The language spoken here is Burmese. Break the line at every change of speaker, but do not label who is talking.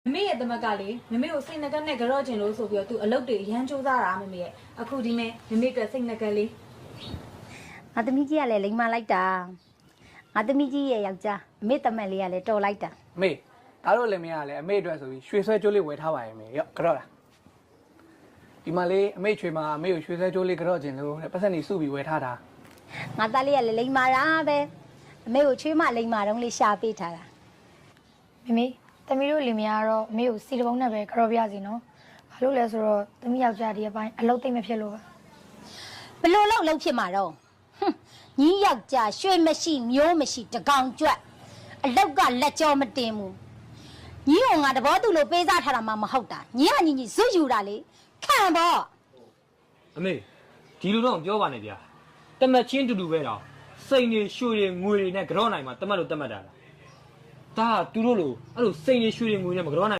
မေရဲ့တမကလေမမေကိုစိတ်နှကနဲ့ကြော့ကျင်လို့ဆိုပြီးတော့သူအလုပ်တွေရမ်းစူးစမ်းတာမမေရဲ့အခုဒီမဲ့မမေအတွက်စိတ်နှကလေး
ငါသမီးကြီးကလည်းလိမ်မာလိုက်တာငါသမီးကြီးရဲ့ယောက်ျားအမေတမက်လေးကလည်းတော်လိုက်တာ
အမေဒါတို့လည်းမရလည်းအမေအတွက်ဆိုပြီးရွှေဆွဲကြိုးလေးဝယ်ထားပါရဲ့မေရော့ကြော့လားဒီမှာလေးအမေချွေမှာအမေကိုရွှေဆွဲကြိုးလေးကြော့ကျင်လို့တဲ့ပတ်စံနေစုပြီးဝယ်ထားတာ
ငါသားလေးကလည်းလိမ်မာတာပဲအမေကိုချွေးမလိမ်မာတော့လေးရှာပေးထားတာ
မေသမီးတို့လင်မယားတော့အမေကိုစီတပုံးနဲ့ပဲကြော်ပြစီနော်ဘာလို့လဲဆိုတော့သမီးယောက်ျားဒီအပိုင်းအလုပ်သိမ့်မဖြစ်လို့
ဘလို့လောက်ဖြစ်မှာတော့ညီယောက်ျားရွှေမရှိမျိုးမရှိတကောင်ကြွက်အလောက်ကလက်ကြောမတင်ဘူးညီကငါတဘောသူလို့ပေးစားထားတာမှမဟုတ်တာညီကညီဇွတ်ယူတာလေခံပေါ့
အမေဒီလိုတော့ပြောပါနဲ့ဗျာတမတ်ချင်းတူတူပဲတော့စိန်နေရွှေတွေငွေတွေနဲ့ကြော့နိုင်မှာတမတ်လို့တမတ်တာလားဒါကသူတို့လိုအဲ့လိုစိန်နေရွှေတွေငွေနဲ့မကြော့နိုင်